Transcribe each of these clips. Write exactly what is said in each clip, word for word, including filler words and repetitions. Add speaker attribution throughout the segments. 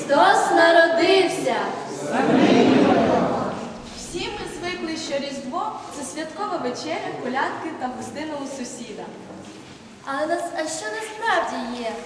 Speaker 1: Христос народився!
Speaker 2: Всі ми звикли, що Різдво – це святкова вечеря, колядки та гостина у сусіда.
Speaker 1: Але нас, а що насправді є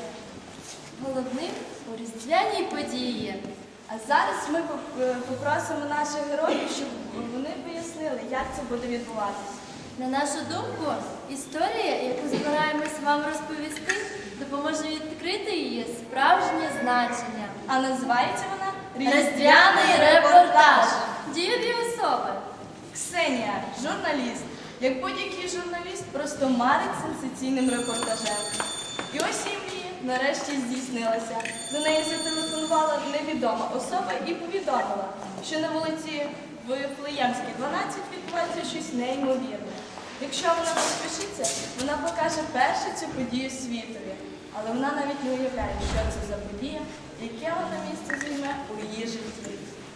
Speaker 1: головним у різдвяній події?
Speaker 2: А зараз ми попросимо наших героїв, щоб вони пояснили, як це буде відбуватися.
Speaker 1: На нашу думку, історія, яку збираємось вам розповісти, допоможе відкрити її справжнє значення.
Speaker 2: А називається вона
Speaker 1: Різдвяний репортаж. Дієві особи.
Speaker 2: Ксенія, журналіст. Як будь-який журналіст, просто марить сенсаційним репортажем. І ось її мрія нарешті здійснилася. До неї зателефонувала невідома особа і повідомила, що на вулиці Вифлеємській, дванадцять відбувається щось неймовірне. Якщо вона поспішиться, вона покаже першу цю подію світові. Але вона навіть не уявляє, що це за подія, яке вона місце займе у її житті.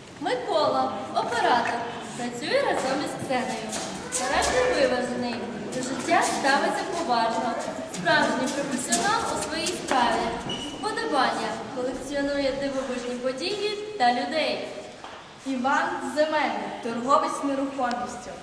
Speaker 1: Микола, оператор, працює разом із Ксенею. Характер виважений, до життя ставиться поважно. Справжній професіонал у своїй справі. Вподобання, колекціонує дивовижні події та людей.
Speaker 2: Іван Земельник, торговець нерухомістю.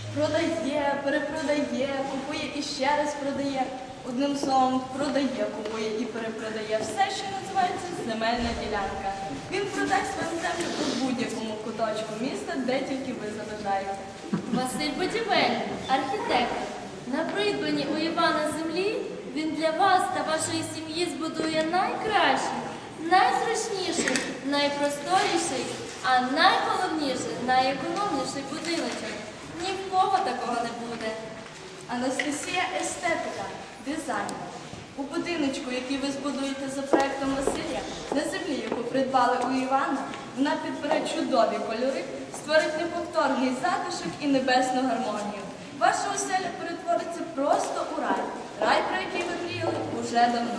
Speaker 2: Продає, перепродає, купує і ще раз продає. Одним словом, продає, купує і перепродає все, що називається земельна ділянка. Він продасть вам землю у будь-якому куточку міста, де тільки ви забажаєте.
Speaker 1: Василь Будівельник, архітектор. На придбанні у Івана землі він для вас та вашої сім'ї збудує найкращий, найзручніший, найпросторіший, а найголовніше, найекономніший будиночок. Ні в кого такого не буде.
Speaker 2: Анастасія естетика, дизайнер. У будиночку, який ви збудуєте за проектом Василя, на землі, яку придбали у Івана, вона підбере чудові кольори, створить неповторний затишок і небесну гармонію. Ваша оселя перетвориться просто у рай. Рай, про який ви мріяли уже давно.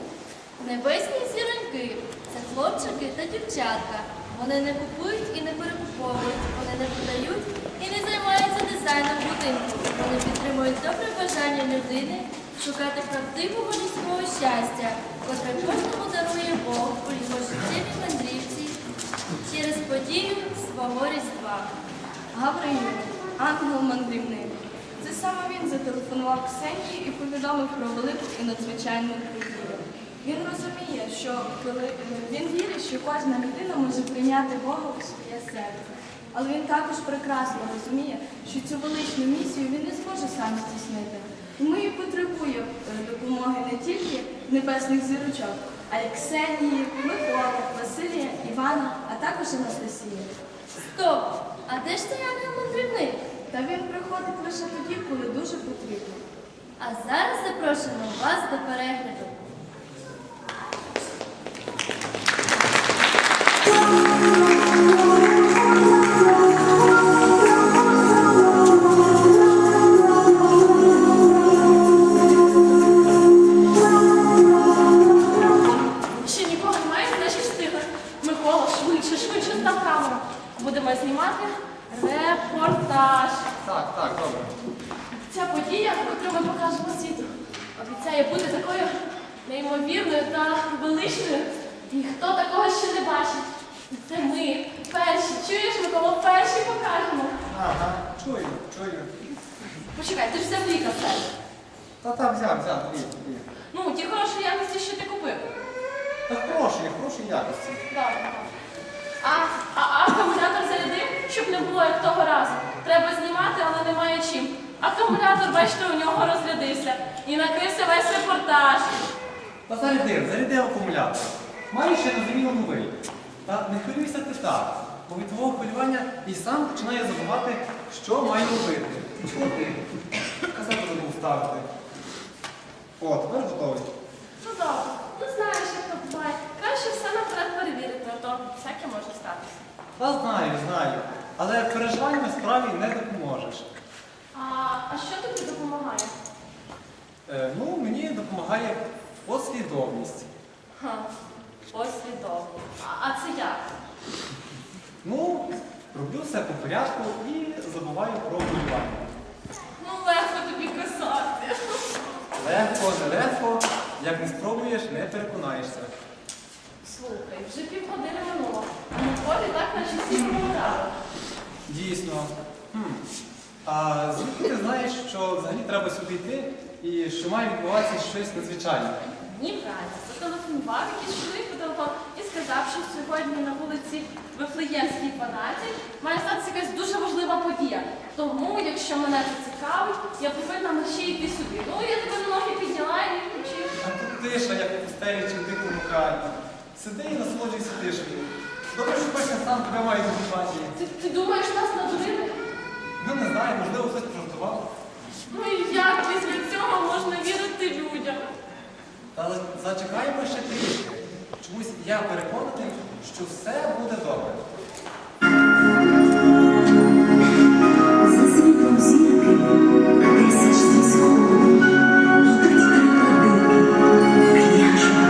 Speaker 1: Небесні зіроньки – це хлопчики та дівчатка. Вони не купують і не перекуповують, вони не продають і не займаються дизайном будинку. Вони підтримують добре бажання людини шукати правдивого людського щастя, котре кожному дарує Бог у його життєвій мандрівці через подію свого Різдва.
Speaker 2: Гавриїл, ангел-мандрівник. Це саме він зателефонував Ксенії і повідомив про велику і надзвичайну подію. Він розуміє, що коли він вірить, що кожна людина може прийняти Бога у своє серце. Але він також прекрасно розуміє, що цю величну місію він не зможе сам здійснити. Тому і потребує допомоги не тільки небесних зірочок, а й Ксенії, Миколи, Василія, Івана, а також Анастасії.
Speaker 1: Стоп! А де ж цей ангел-мандрівник?
Speaker 2: Та він приходить лише тоді, коли дуже потрібно.
Speaker 1: А зараз запрошуємо вас до перегляду.
Speaker 3: Ще нікого немає, значить встигли. Микола, швидше, швидше став камеру. Будемо знімати репортаж.
Speaker 4: Так, так, добре.
Speaker 3: Ця подія, яку ми покажемо світу, обіцяє бути такою неймовірною та величною. І хто такого ще не бачить? Це ми, перші. Чуєш, Микола, перші покажемо.
Speaker 4: Ага, чую, чую.
Speaker 3: Почекай, ти ж взяв ліка все.
Speaker 4: Та так, взяв, взяв, дві, дві.
Speaker 3: Ну, ті хороші якості, що ти купив.
Speaker 4: Та хороші, хороші якості.
Speaker 3: Добре. А, а акумулятор зарядив, щоб не було як того разу. Треба знімати, але немає чим. Акумулятор, бачите, у нього розрядився. І накрився весь репортаж.
Speaker 4: Та зарядив, зарядив акумулятор. Маю ще незамінно новий. Та не хвилюйся ти так, бо від твого хвилювання і сам починає забувати, що маю робити. Чого ти? Казати забув ставити. О, тепер готовий.
Speaker 3: Ну добре, ну знаєш, як то буває. Краще все наперед перевірити, а то всяке може статися.
Speaker 4: Та знаю, знаю. Але переживаннями справі не допоможеш.
Speaker 3: А, а що тобі допомагає?
Speaker 4: Е, ну, мені допомагає послідовність.
Speaker 3: Ха, послідовно. А, а це як?
Speaker 4: Ну, роблю все по порядку і забуваю про хвилювання.
Speaker 3: Ну легко тобі казати.
Speaker 4: Легко, нелегко, як не спробуєш, не переконаєшся.
Speaker 3: Слухай, вже півгодини минуло, а на полі так наче всі помирали.
Speaker 4: Дійсно. Хм. А звідки ти знаєш, що взагалі треба сюди йти і що має відбуватися щось надзвичайне?
Speaker 3: Ні, браті, зателефонував якийсь чоловік по телефону і сказав, що сьогодні на вулиці Вифлеємській, дванадцять має статися якась дуже важлива подія. Тому, якщо мене це цікавить, я повинна мерщій йти сюди. Ну, я тебе на ноги підняла і включив.
Speaker 4: А тут тиша, як у пустелі чи в дикому краї. Сиди і насолоджуйся тишею. Добре, що кожен сам тебе має запитання.
Speaker 3: Ти, ти думаєш, нас надурили?
Speaker 4: Ну не знаю, можливо, хтось пожартував.
Speaker 3: Ну і як після цього можна вірити людям?
Speaker 4: Але зачекаємо ще трішки. Чомусь я переконаний, що все буде добре.
Speaker 5: За світлом зірки тисяч зі сходу йдуть приклади княжого.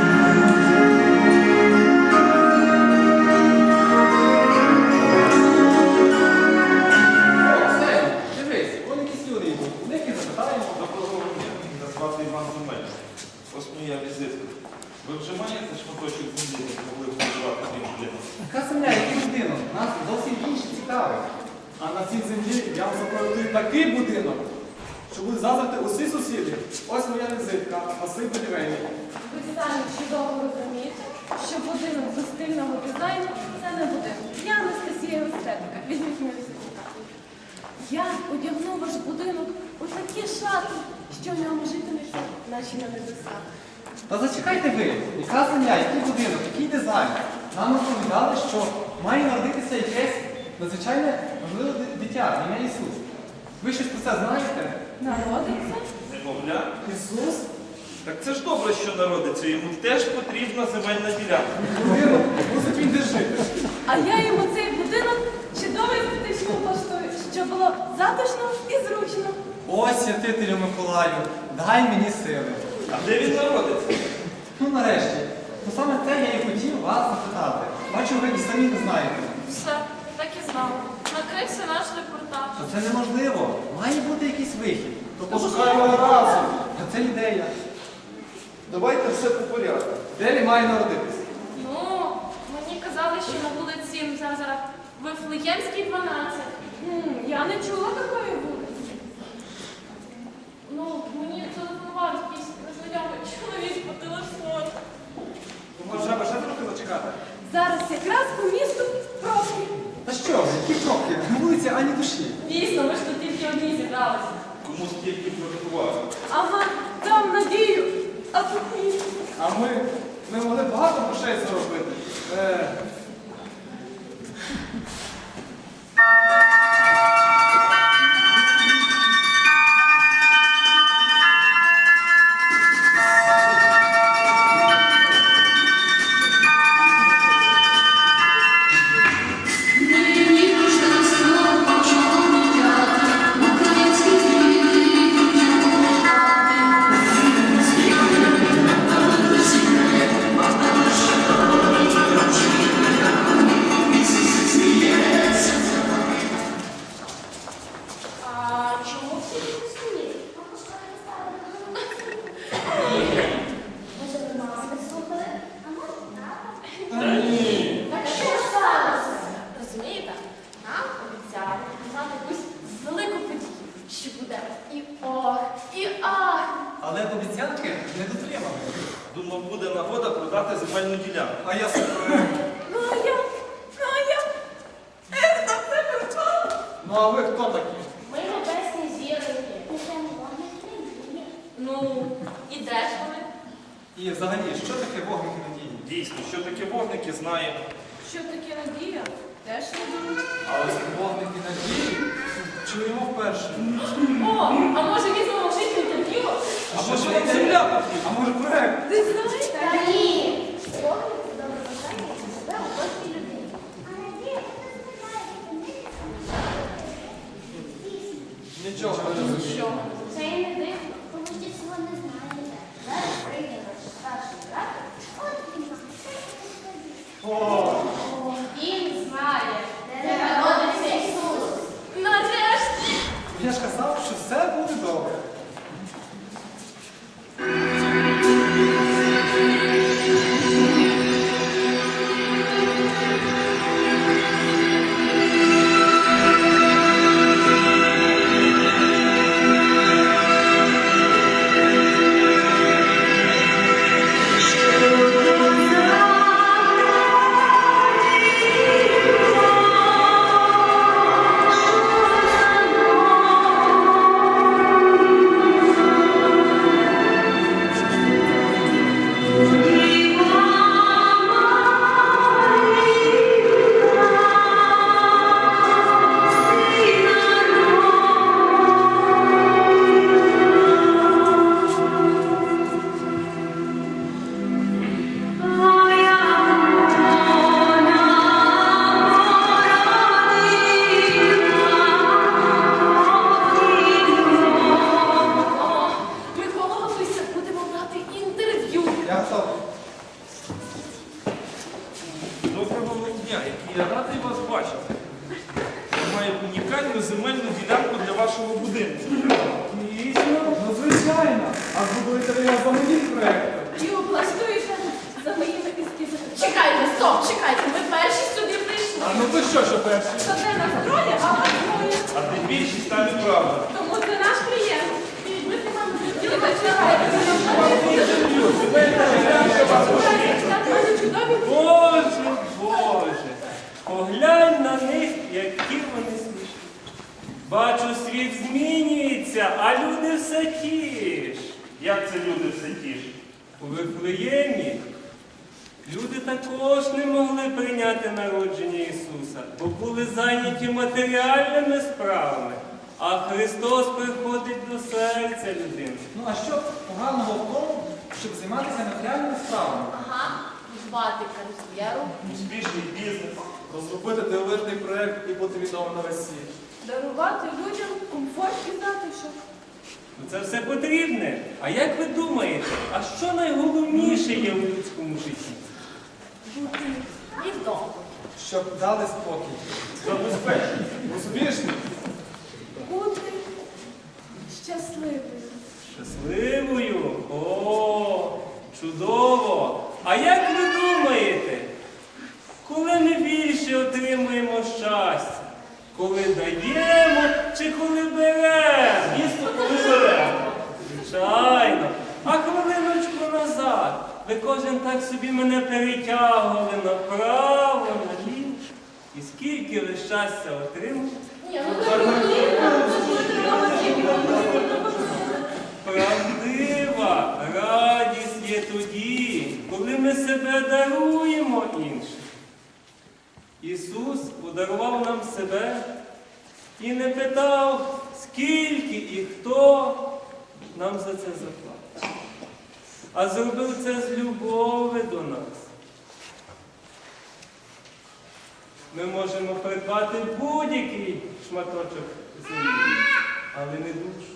Speaker 4: О, все, дивись, вон якісь люди йдуть. У них і запитаємо.
Speaker 6: Доброго дня, мене звати Іван Земель. Ось моя візитка. Ви вже маєте шматочок землі, де могли б проживати крім людини?
Speaker 4: Яка земля, який будинок? Нас зовсім інше цікавить. А на цій землі я вам запроектую такий будинок, що будуть заздрити усі сусіди. Ось моя візитка, Василь Будівельник.
Speaker 3: Ви самі чудово розумієте, що будинок без стильного дизайну – це не будинок. Я Анастасія естетика. Візьміть мою сертифікат. Я одягну ваш будинок у такі шати, що в ньому житиметься наші на небесах.
Speaker 4: Та зачекайте ви, яка земля, який будинок, який дизайн? Нам розповідали, що має народитися якесь надзвичайне важливе ди- дитя, ім'я Ісус. Ви щось про це знаєте?
Speaker 3: Народиться?
Speaker 6: Немовля?
Speaker 4: Ісус?
Speaker 6: Так це ж добре, що народиться. Йому теж потрібна земельна ділянка.
Speaker 4: Будинок, мусить він де жити.
Speaker 3: А я йому цей будинок чудово естетично влаштую, щоб було затишно і зручно.
Speaker 4: Ось, святителю Миколаю, дай мені сили.
Speaker 6: А де він народиться?
Speaker 4: Ну нарешті, то саме це я і хотів вас запитати. Бачу, ви і самі не знаєте.
Speaker 3: Все, так і знав. Накрився наш репортаж.
Speaker 4: Та це неможливо. Має бути якийсь вихід. То пошукаємо разом. Та це ідея.
Speaker 6: Давайте все по порядку.
Speaker 4: Де він має народитися?
Speaker 3: Ну, мені казали, що на вулиці зараз зараз Вифлеємській, дванадцять. М, Я не чула такої вулиці. Ну, мені телефонував якийсь незнайомий чоловік по телефону.
Speaker 4: Ну, може, треба ще трохи зачекати?
Speaker 3: Зараз якраз по місту пробки.
Speaker 4: Та що ви, які кроки? На вулиці ані душі.
Speaker 3: Дійсно, ми ж тут тільки одні зібралися.
Speaker 6: Кому стільки приготували?
Speaker 3: Ага, там надію, а тут ні.
Speaker 4: А ми, ми могли багато грошей заробити. Е,
Speaker 3: А чому всі не сумні? Так що ж сталося? Розумієте, нам обіцяли мати якусь велику подію, що буде і ох, і ах.
Speaker 4: але обіцянки не дотримали.
Speaker 6: Думав, буде нагода продати земельну ділянку.
Speaker 4: А я себе.
Speaker 3: Ну а я, ну а я, ех, там все припало.
Speaker 4: Ну а ви хто такі?
Speaker 3: Ми небесні зіроньки. Ну, і де ж вони?
Speaker 4: І взагалі, що таке вогники надії?
Speaker 6: Дійсно, що таке вогники, знаємо.
Speaker 3: Що таке надія? Теж не думаю.
Speaker 4: А ось вогники надії чуємо вперше.
Speaker 3: О, а може візьмемо в житті інтерв'ю?
Speaker 4: А може вам земля потрібна? А може проект?
Speaker 3: Ви знаєте?
Speaker 1: Та ні. Вогник – це добре бажання, яке живе у кожній людині.
Speaker 4: Нічого не розумію.
Speaker 3: Що?
Speaker 1: Це і не дивно, тому що цього не знаєте. Зараз прийде наш старший брат, от він вам все розповість.
Speaker 4: О,
Speaker 1: Він знає, де народиться Ісус.
Speaker 3: Нарешті!
Speaker 4: я ж казав, що все буде добре.
Speaker 6: Я радий вас бачити. Я маю унікальну земельну ділянку для вашого будинку.
Speaker 4: Дійсно, ну звичайно. А зробили його за моїм проєктом.
Speaker 3: І облаштуєте за моїми ескізами. Чекайте, стоп, чекайте, ви перші сюди прийшли.
Speaker 4: А ну то що, що перші?
Speaker 3: То де нас троє, а вас двоє.
Speaker 6: А де більшість та неправда.
Speaker 3: Тому це наш клієнт. І ви з нами розділите, чекайте.
Speaker 7: Боже, Боже, поглянь на них, які вони смішні. Бачу, світ змінюється, а люди все ті ж.
Speaker 6: Як це люди все ті ж?
Speaker 7: У Вифлеємі люди також не могли прийняти народження Ісуса, бо були зайняті матеріальними справами, а Христос приходить до серця людини.
Speaker 4: Ну а що поганого в тому, щоб займатися матеріальними справами?
Speaker 3: Ага, звати кар'єру.
Speaker 6: Успішний бізнес.
Speaker 8: Розробити дивовижний проєкт і бути відомим на весь світ.
Speaker 2: Дарувати людям комфорт і затишок.
Speaker 7: Ну, це все потрібне. А як ви думаєте, а що найголовніше є у людському житті?
Speaker 3: І вдома.
Speaker 4: Щоб дали спокій.
Speaker 6: Забезпечення.
Speaker 8: Успішний.
Speaker 2: Бути щасливою.
Speaker 7: Щасливою? О, чудово! А як ви думаєте, коли ми більше отримуємо щастя? Коли даємо чи коли беремо?
Speaker 6: Звісно, коли беремо.
Speaker 7: Звичайно. А хвилиночку назад ви кожен так собі мене перетягували направо, наліво. І скільки ви щастя отримали?
Speaker 3: Ні, ну так
Speaker 7: Правдива радість є тоді, коли ми себе даруємо іншим. Ісус подарував нам себе і не питав, скільки і хто нам за це заплатить. А зробив це з любові до нас. Ми можемо придбати будь-який шматочок землі, але не душу.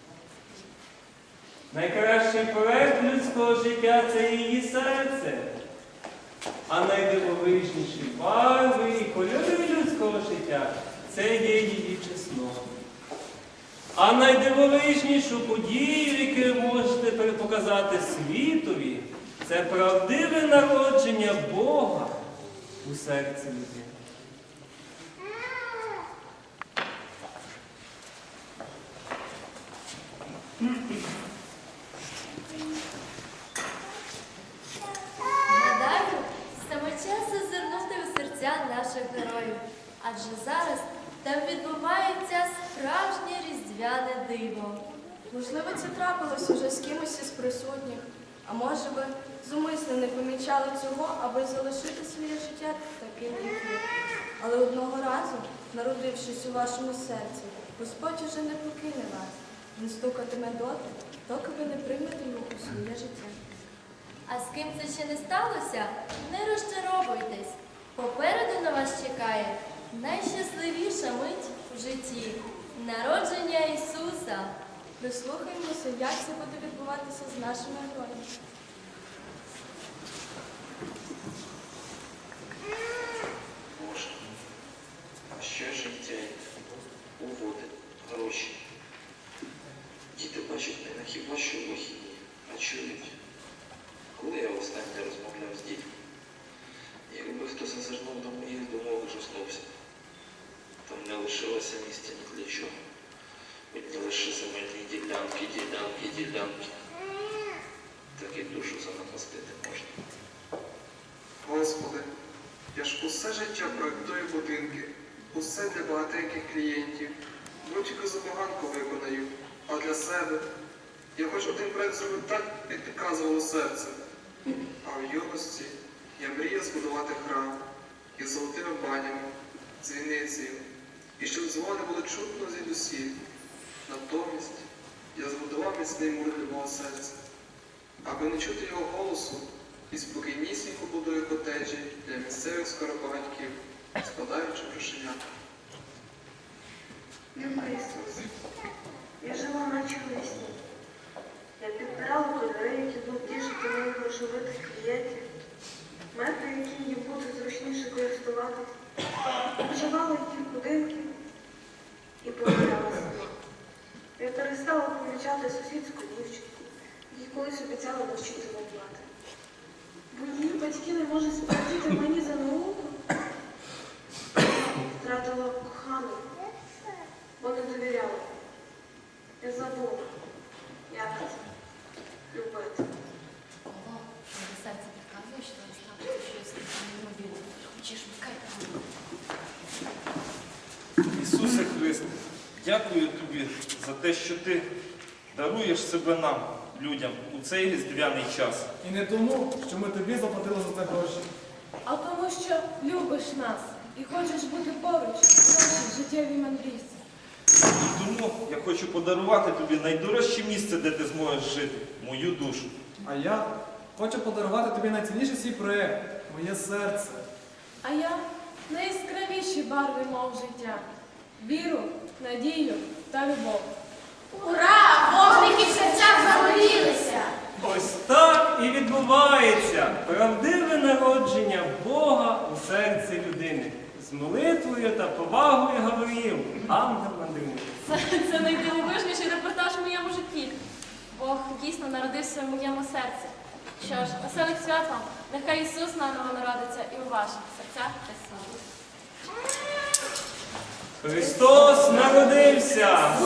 Speaker 7: Найкращий проект людського життя – це її серце. А найдивовижніші барви і кольори людського життя – це є її чеснот. А найдивовижнішу подію, яку ви можете показати світові, це правдиве народження Бога у серці людини.
Speaker 1: Гадаю, саме час зазирнути у серця наших героїв, адже зараз там відбувається справжнє різдвяне диво.
Speaker 2: Можливо, це трапилось уже з кимось із присутніх, а може би зумисно не помічали цього, аби залишити своє життя таким, як є. Але одного разу, народившись у вашому серці, Господь уже не покине вас. Він стукатиме доти, доки ви не приймете його у своє життя.
Speaker 1: А з ким це ще не сталося, не розчаровуйтесь. Попереду на вас чекає найщасливіша мить в житті – народження Ісуса.
Speaker 2: Прислухаємося, як це буде відбуватися з нашими героями.
Speaker 9: Боже, а що життя, угоди, гроші? Діти бачать мене хіба що в вихідні, а чують. Коли я останнє розмовляв з дітьми, якби хто зазирнув до моїх думок, ужаснувся. Там не лишилося місця ні для чого. Одні лише земельні ділянки, ділянки, ділянки. Так і душу занапастити можна.
Speaker 8: Господи, я ж усе життя проєктую будинки, усе для багатеньких клієнтів. Будь-яку забаганку виконаю, а для себе я хоч один проєкт зробив так, як підказувало серце. А в юності я мріяв збудувати храм із золотими банями, дзвіницею, і щоб дзвони було чутно звідусіль. Натомість я збудував міцний мур для мого серця, аби не чути його голосу, і спокійнісінько будую котеджі для місцевих скоропагатьків, складаючи грошенят.
Speaker 10: Любка Ісус, я жила наче весні. Я підбирала кольори, які будуть тішити моїх грошовитих клієнтів. метри, яким їм буде зручніше користуватись, обживала їх будинки і помиляла сама. Я перестала помічати сусідську дівчинку, їй колись обіцяла навчити воювати. Бо її батьки не можуть сплатити мені за науку. Втратила кохану, бо не довіряла. Я забула, як це любити.
Speaker 1: Ого, моє серце підказує, що зараз трапиться щось неймовірне. Хочеш, вмикай камеру.
Speaker 6: Ісусе Христе, дякую тобі за те, що ти даруєш себе нам, людям, у цей різдвяний час.
Speaker 4: І не тому, що ми тобі заплатили за це гроші.
Speaker 3: А тому, що любиш нас і хочеш бути поруч в нашій життєвій мандрівці.
Speaker 6: І тому я хочу подарувати тобі найдорожче місце, де ти зможеш жити, мою душу.
Speaker 4: А я хочу подарувати тобі найцінніший свій проєкт – моє серце.
Speaker 3: А я найяскравіші барви мов життя. Віру, надію та любов.
Speaker 1: Ура! Вогники в серцях загорілися!
Speaker 7: Ось так і відбувається правдиве народження Бога у серці людини. З молитвою та повагою Гавриїл, ангел-мандрівник.
Speaker 3: Це, це найдивовижніший репортаж в моєму житті.
Speaker 1: Бог дійсно народився в моєму серці. Що ж, веселих свят вам! Нехай Ісус наново народиться і у ваших серцях та серці.
Speaker 7: Христос народився!